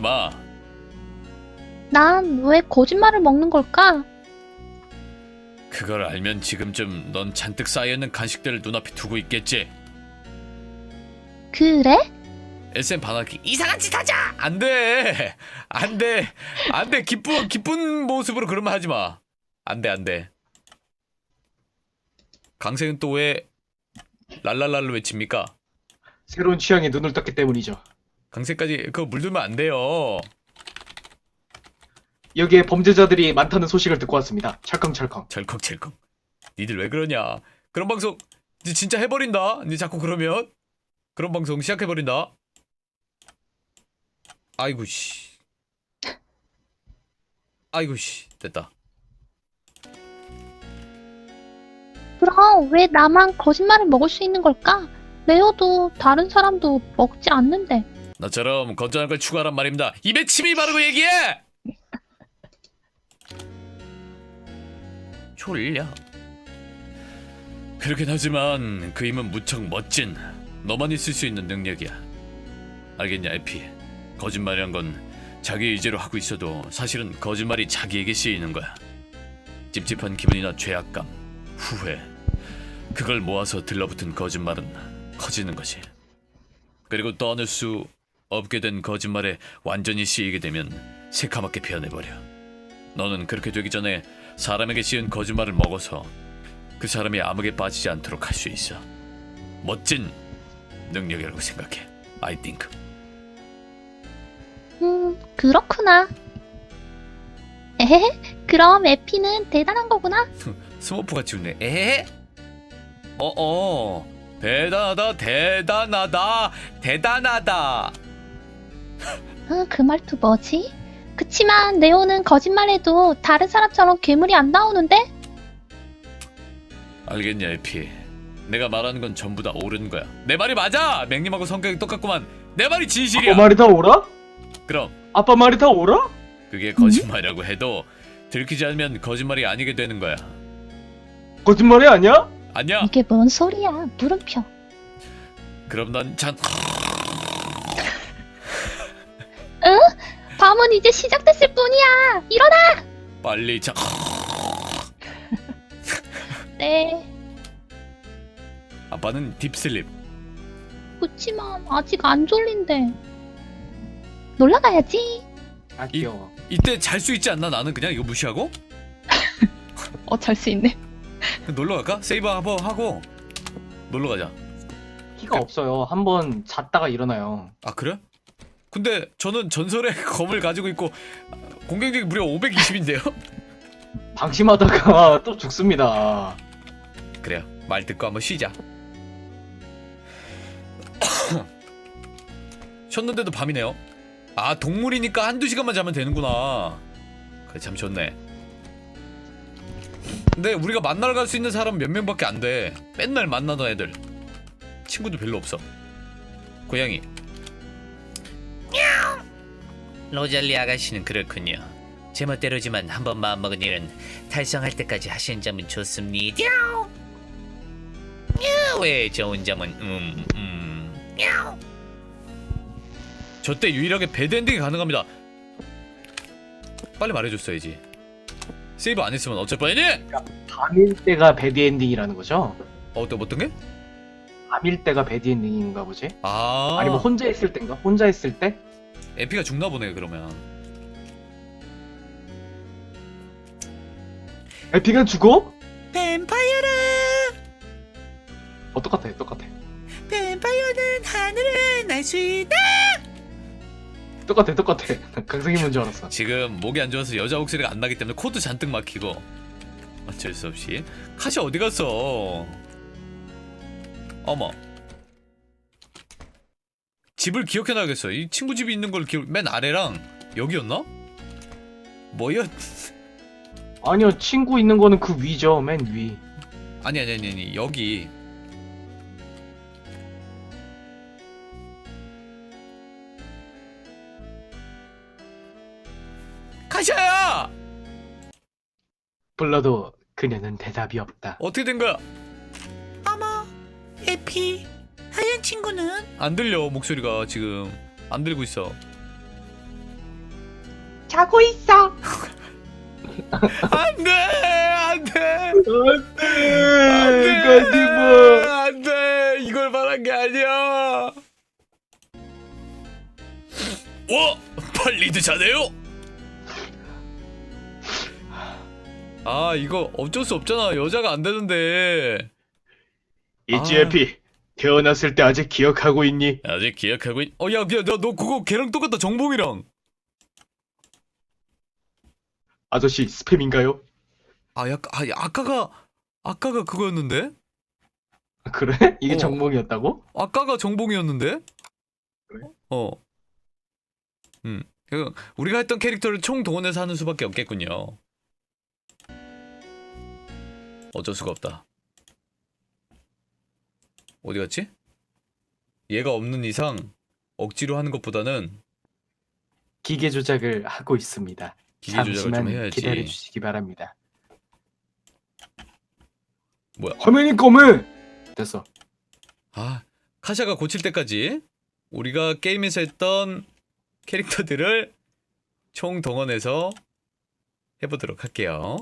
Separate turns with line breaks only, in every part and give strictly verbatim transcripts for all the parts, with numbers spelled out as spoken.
마.
난 왜 거짓말을 먹는 걸까?
그걸 알면 지금쯤 넌 잔뜩 쌓여있는 간식들을 눈앞에 두고 있겠지.
그래?
에스엠 반하기 이상한 짓 하자. 안돼 안돼 안돼. 기쁜 기쁜 모습으로 그런 말 하지 마. 안돼 안돼. 강생은 또 왜 랄랄랄로 외칩니까?
새로운 취향에 눈을 떴기 때문이죠.
강생까지 그거 물들면 안 돼요.
여기에 범죄자들이 많다는 소식을 듣고 왔습니다. 철컹철컹.
철컥철컥. 니들 왜 그러냐? 그런 방송 니 진짜 해버린다. 니 자꾸 그러면 그런 방송 시작해버린다. 아이고 씨. 아이고 씨. 됐다.
그럼 왜 나만 거짓말을 먹을 수 있는 걸까? 레오도 다른 사람도 먹지 않는데.
나처럼 건전한 걸 추구하란 말입니다. 입에 침이 바르고 얘기해. 졸려. 그렇긴 하지만 그 힘은 무척 멋진, 너만 있을 수 있는 능력이야. 알겠냐, 에피? 거짓말이란 건 자기 의지로 하고 있어도 사실은 거짓말이 자기에게 쓰이는 거야. 찝찝한 기분이나 죄악감, 후회, 그걸 모아서 들러붙은 거짓말은 커지는 거지. 그리고 떠날 수 없게 된 거짓말에 완전히 쓰이게 되면 새카맣게 변해버려. 너는 그렇게 되기 전에 사람에게 씌운 거짓말을 먹어서 그 사람이 암흑에 빠지지 않도록 할 수 있어. 멋진 능력이라고 생각해. I think.
음, 그렇구나. 에헤, 그럼 에피는 대단한 거구나.
스머프같이 웃네. 에헤? 어어. 대단하다 대단하다 대단하다.
어, 그 말투 뭐지? 그치만 레오는 거짓말해도 다른 사람처럼 괴물이 안 나오는데?
알겠냐, 에피? 내가 말하는 건 전부 다 옳은 거야. 내 말이 맞아. 맹님하고 성격이 똑같구만. 내 말이 진실이야.
아빠 말이 다 오라?
그럼
아빠 말이 다 오라?
그게 거짓말이라고 해도 들키지 않으면 거짓말이 아니게 되는 거야.
거짓말이 아니야?
아니야.
이게 뭔 소리야, 물음표.
그럼 난 잔.
응? 밤은 이제 시작됐을 뿐이야. 일어나!
빨리 자.
네.
아빠는 딥슬립.
그치만 아직 안 졸린데. 놀러 가야지.
아 귀여워.
이때 잘 수 있지 않나? 나는 그냥 이거 무시하고
어, 잘 수 있네.
놀러 갈까? 세이브 한번 하고 놀러 가자.
키가 없어요. 한번 잤다가 일어나요.
아 그래? 근데 저는 전설의 검을 가지고 있고 공격력이 무려 오백이십인데요?
방심하다가 또 죽습니다.
그래요. 말 듣고 한번 쉬자. 쉬었는데도 밤이네요. 아 동물이니까 한두 시간만 자면 되는구나. 그래 참 좋네. 근데 우리가 만나러 갈 수 있는 사람은 몇 명밖에 안 돼. 맨날 만나던 애들. 친구도 별로 없어. 고양이. 로잘리 아가씨는 그렇군요. 제멋대로지만 한번 마음먹은 일은 달성할 때까지 하시는 점은 좋습니다. 왜 좋은 점은 음 음. 저때 유일하게 배드엔딩이 가능합니다. 빨리 말해줬어야지. 세이브 안 했으면 어쩔 뻔했니?
밤일 때가 배드엔딩이라는 거죠?
어, 또 어떤 게?
밤일 때가 배드엔딩인가 보지?
아,
아니면 혼자 있을 때인가? 혼자 있을 때?
에피가 죽나 보네 그러면.
에피가 죽어?
뱀파이어라.
어 똑같아 똑같아
뱀파이어는 하늘을 날 수 있다.
똑같아 똑같아. 강승이 뭔줄 알았어.
지금 목이 안 좋아서 여자 목소리가 안 나기 때문에 코도 잔뜩 막히고 어쩔 수 없이. 카시 어디 갔어? 어머. 집을 기억해놔야겠어. 이 친구 집이 있는 걸 기억. 맨 아래랑 여기였나? 뭐였?
아니요 친구 있는 거는 그 위죠. 맨 위.
아니 아니 아니 아니 여기. 카시야!
불러도 그녀는 대답이 없다.
어떻게 된 거야?
어머, 에피, 하얀 친구는?
안 들려 목소리가 지금 안 들리고 있어.
자고 있어.
안돼 안돼
안돼 거짓말.
안돼 이걸 말한 게 아니야. 와 빨리도 자네요. 아 이거 어쩔 수 없잖아. 여자가 안 되는데.
있지
아.
에피. 태어났을 때 아직 기억하고 있니?
아직 기억하고 있... 어, 야, 야, 너, 너 그거 걔랑 똑같다. 정봉이랑.
아저씨 스팸인가요?
아, 약, 아, 아까가, 아까가 그거였는데?
그래? 이게
어.
정몽이었다고?
아까가 정봉이었는데?
그래?
어. 음. 그, 우리가 했던 캐릭터를 총 동원해서 하는 수밖에 없겠군요. 어쩔 수가 없다. 어디 갔지? 얘가 없는 이상 억지로 하는 것보다는
기계 조작을 하고 있습니다.
기계 조작을 좀
잠시만
해야지.
기다려 주시기 바랍니다.
뭐야?
화면이 검해. 됐어.
아, 카샤가 고칠 때까지 우리가 게임에서 했던 캐릭터들을 총 동원해서 해보도록 할게요.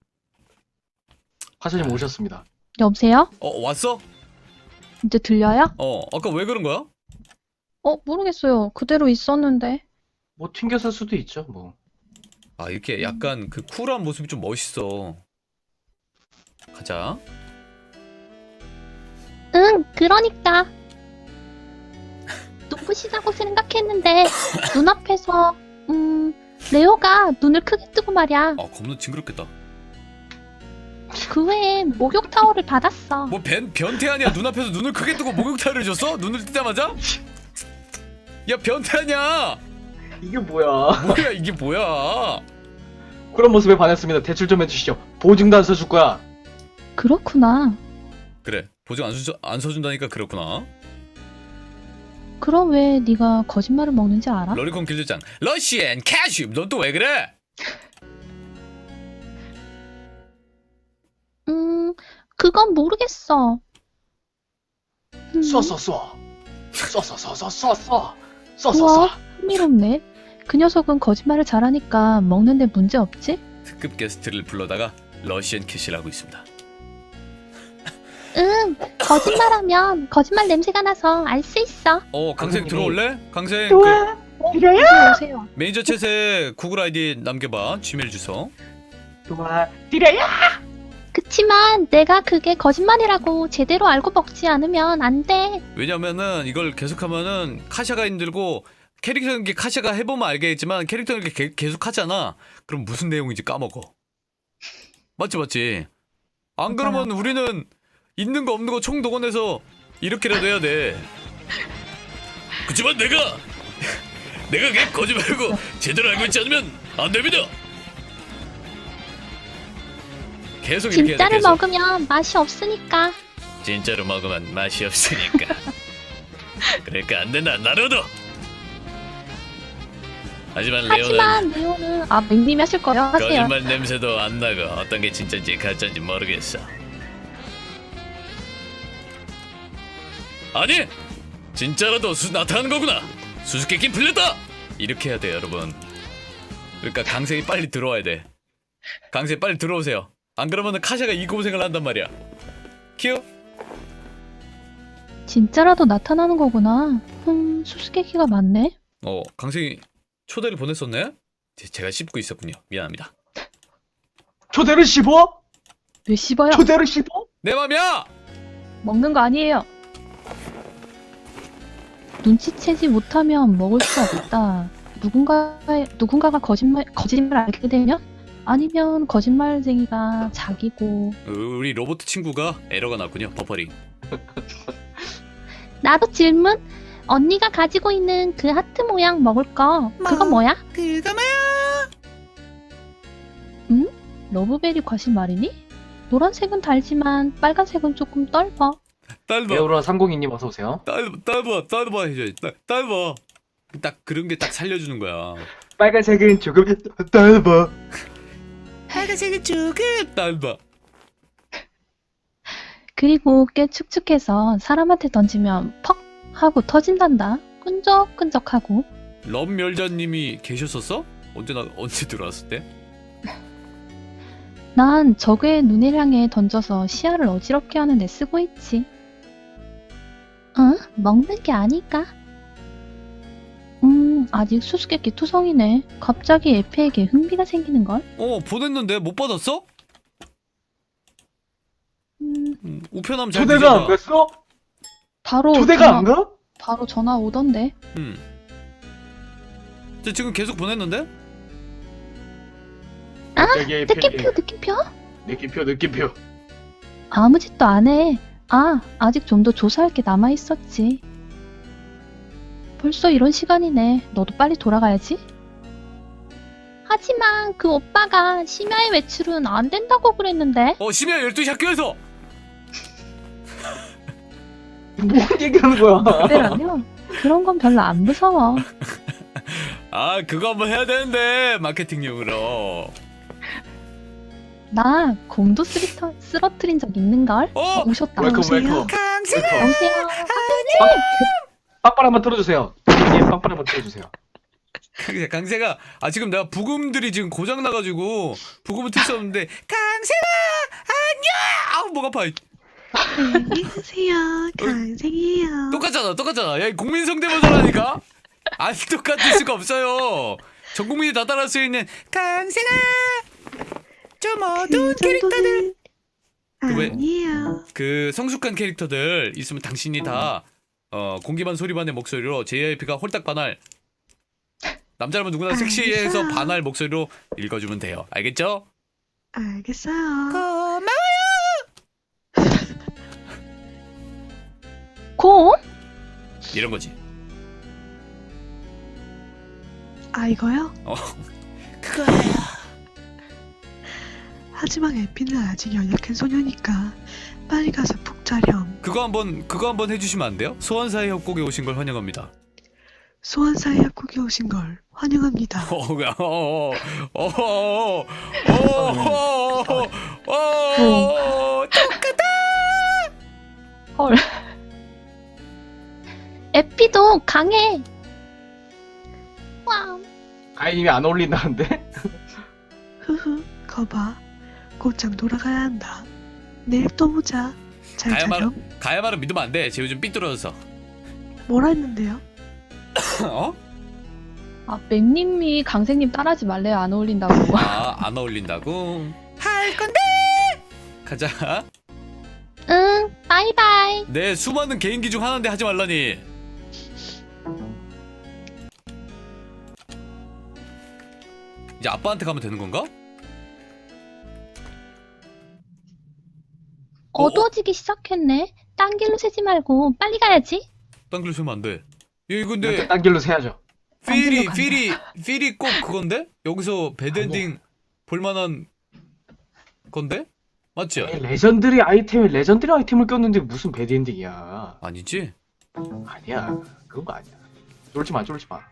화사님 오셨습니다.
여보세요?
어, 왔어?
이제 들려요?
어, 아까 왜 그런 거야?
어, 모르겠어요. 그대로 있었는데.
뭐 튕겨설 수도 있죠. 뭐.
아, 이렇게 약간 그 쿨한 모습이 좀 멋있어. 가자.
응, 그러니까. 눈부시다고 생각했는데 눈앞에서 음 레오가 눈을 크게 뜨고 말이야.
아, 겁나 징그럽겠다.
그 외에 목욕 타월을 받았어.
뭐 변, 변태 아니야? 눈앞에서 눈을 크게 뜨고 목욕탕을 줬어? 눈을 뜨자마자? 야, 변태 아니야?
이게 뭐야?
뭐야, 이게 뭐야?
그런 모습에 반했습니다. 대출 좀 해주시죠. 보증도 안 써줄 거야.
그렇구나.
그래, 보증 안, 수, 안 서준다니까 그렇구나.
그럼 왜 네가 거짓말을 먹는지 알아?
러리콘 길드장 러시앤 캐슈, 넌 또 왜 그래?
음, 그건 모르겠어. 음,
쏴 쏴 쏴. 쏴 쏴 쏴 쏴 쏴 쏴. 쏴 쏴
우와,
쏴.
흥미롭네. 그 녀석은 거짓말을 잘하니까 먹는데 문제 없지?
특급 게스트를 불러다가 러시앤 캐시라고 있습니다.
응, 거짓말하면 거짓말 냄새가 나서 알 수 있어.
어, 강생
강생님이-
들어올래? 강생 그
좋아. 이래요?
오세요, 오세요.
매니저 챗에 구글 아이디 남겨봐. 지메일 주소.
좋아. 이래요?
그치만 내가 그게 거짓말이라고 제대로 알고 먹지 않으면 안 돼.
왜냐면은 이걸 계속하면은 카샤가 힘들고, 캐릭터는 게 카샤가 해보면 알겠지만 캐릭터는 이렇게 개- 계속 하잖아. 그럼 무슨 내용인지 까먹어. 맞지 맞지. 안
맞아요.
그러면 우리는 있는 거 없는 거 총 동원해서 이렇게라도 해야 돼. 그치만 내가 내가 걔 거짓말고 제대로 알고 있지 않으면 안 됩니다. 계속 이렇게 해야 돼.
진짜를
계속.
먹으면 맛이 없으니까.
진짜로 먹으면 맛이 없으니까. 그러니까 안 된다, 나루도. 하지만 레오는
하지만 레오는 아 맹님이 하실 거예요? 하세요.
거짓말 냄새도 안 나고 어떤 게 진짜인지 가짜인지 모르겠어. 아니! 진짜라도 수, 나타나는 거구나! 수수께끼 풀렸다! 이렇게 해야 돼, 여러분. 그러니까 강생이 빨리 들어와야 돼. 강생 빨리 들어오세요. 안 그러면은 카샤가 이 고생을 한단 말이야. 키우?
진짜라도 나타나는 거구나. 흠, 수수께끼가 많네.
어, 강생이 초대를 보냈었네? 제- 제가 씹고 있었군요. 미안합니다.
초대를 씹어?
왜 씹어요?
초대를 씹어?
내 맘이야!
먹는 거 아니에요. 눈치채지 못하면 먹을 수 없다. 누군가 누군가가 거짓말 거짓말 알게 되면 아니면 거짓말쟁이가 자기고.
우리 로봇 친구가 에러가 났군요. 버퍼링.
나도 질문. 언니가 가지고 있는 그 하트 모양 먹을 거 그건
뭐?
뭐야?
그거 뭐야?
러브베리 과실 말이니? 노란색은 달지만 빨간색은 조금 떫어.
딸봐,
에어로라 삼공이님 어서 오세요.
딸, 딸봐, 딸봐 해줘야지. 딸, 딸봐. 딱 그런 게 딱 살려주는 거야.
빨간색은 조금 넓어.
빨간색은 조금.
딸봐.
그리고 꽤 축축해서 사람한테 던지면 퍽 하고 터진단다. 끈적끈적하고.
럼멸자님이 계셨었어? 언제 나 언제 들어왔을 때?
난 적의 눈을 향해 던져서 시야를 어지럽게 하는 데 쓰고 있지. 응? 먹는 게 아닐까? 음, 아직 수수께끼 투성이네. 갑자기 에페에게 흥미가 생기는걸?
어 보냈는데 못 받았어?
음,
음, 우편함 잘
초대가 안
뒤져봐.
갔어?
바로
초대가
전화,
안 가?
바로 전화 오던데.
음. 저 지금 계속 보냈는데?
갑자기
느낌표, 느낌표?
느낌표 느낌표.
아무 짓도 안 해. 아, 아직 좀 더 조사할 게 남아 있었지. 벌써 이런 시간이네. 너도 빨리 돌아가야지. 하지만 그 오빠가 심야의 외출은 안 된다고 그랬는데.
어 심야 열두 시 학교에서.
뭔 얘기하는 거야?
그때라면 그런 건 별로 안 무서워.
아 그거 한번 해야 되는데 마케팅용으로.
나 곰도 쓰리터, 쓰러뜨린 적 있는걸?
어?
어, 오셨다.
웰컴
오세요.
웰컴.
강생아
웰컴.
오세요.
빵빵 한번 틀어주세요. 예, 빵빵 한번 틀어주세요.
강세, 강세가 아 지금 내가 부금들이 지금 고장 나가지고 부금을 틀 수 없는데 강세가 안녕. 아우 목 아파.
안녕하세요. 강생이에요.
똑같잖아 똑같잖아. 야 국민 성대모사라니까. 안 똑같을 수가 없어요. 전 국민이 다 따라할 수 있는 강세가 좀 어두운 캐릭터들. 그 왜-
아니에요.
그 성숙한 캐릭터들 있으면 당신이 다 어, 공기반 소리반의 목소리로 제이아이피가 홀딱 반할 남자라면 누구나 섹시해서
알겠어요.
반할 목소리로 읽어주면 돼요. 알겠죠?
알겠어요.
고마워.
곰?
이런 거지.
아 이거요?
어.
그거예요. 하지만 에피는 아직 연약한 소녀니까 빨리 가서 푹 자렴.
그거 한번 그거 한번 해주시면 안 돼요? 소환사의 협곡에 오신 걸 환영합니다.
소환사의 협곡에 오신 걸 환영합니다.
어, 어, 어, 어, 어, 어, 어, 똑같아.
헐. 에피도 강해. 와.
가인님이 안 어울린다는데?
흐흐. 거봐. 곧장 돌아가야 한다. 내일 또 보자. 잘
가야말
자렴.
가야말은 믿으면 안 돼. 쟤 요즘 삐뚤어져서.
뭐라 했는데요?
어?
아, 맥님이 강생님 따라하지 말래요. 안 어울린다고.
아, 안 어울린다고?
할 건데
가자.
응, 바이바이.
내 수많은 개인기 중 하나인데 하지 말라니. 이제 아빠한테 가면 되는 건가?
어두워지기 시작했네. 딴 길로 새지 말고 빨리 가야지.
딴 길로 세면 안 돼. 얘
이렇게
근데
딴 길로 세야죠.
딴
필이
길로 간다.
필이 필이 꼭 그건데? 여기서 배드엔딩 볼만한 건데? 맞지?
에이, 레전드리 아이템에 레전드리 아이템을 꼈는데 무슨 배드엔딩이야?
아니지?
아니야. 그런 거 아니야. 쫄지 마, 쫄지 마.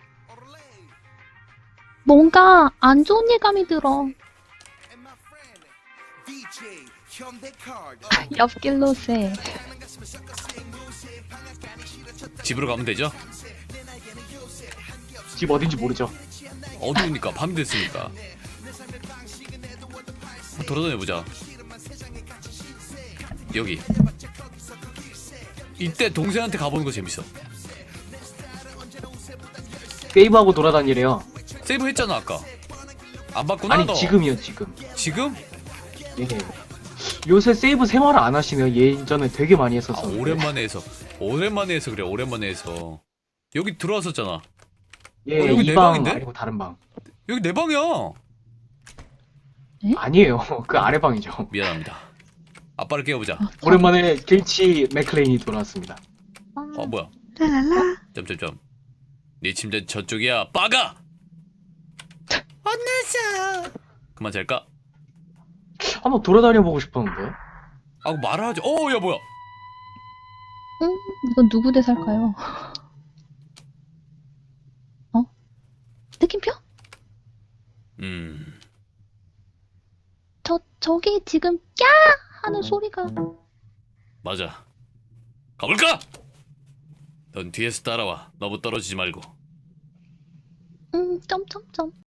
뭔가 안 좋은 예감이 들어. 옆길로 새.
집으로 가면 되죠?
집 어딘지 모르죠.
어두우니까 밤이 됐으니까. 한번 돌아다녀 보자. 여기. 이때 동생한테 가보는 거 재밌어.
세이브하고 돌아다니래요.
세이브 했잖아 아까. 안 봤구나
아니
너.
지금이요, 지금.
지금?
예. 요새 세이브 생활을 안 하시네요. 예전에 되게 많이
아
했었어.
오랜만에 해서. 오랜만에 해서 그래. 오랜만에 해서. 여기 들어왔었잖아.
예,
어, 여기 내
이 방
방인데?
아니고 다른 방.
여기 내 방이야.
아니에요. 그 아래 방이죠.
미안합니다. 아빠를 깨워보자.
어, 저-
오랜만에 길치 맥클레인이 돌아왔습니다.
어 뭐야?
랄랄라.
점점점. 네 침대 저쪽이야. 빠가.
혼났어
그만 잘까?
한번 돌아다녀 보고 싶었는데.
아 말을 하지. 어, 야 뭐야?
응? 이건 누구 대사일까요? 어? 느낌표?
음.
저, 저기 지금 꺄! 하는 소리가.
맞아. 가볼까? 넌 뒤에서 따라와. 너무 떨어지지 말고.
음, 점점점.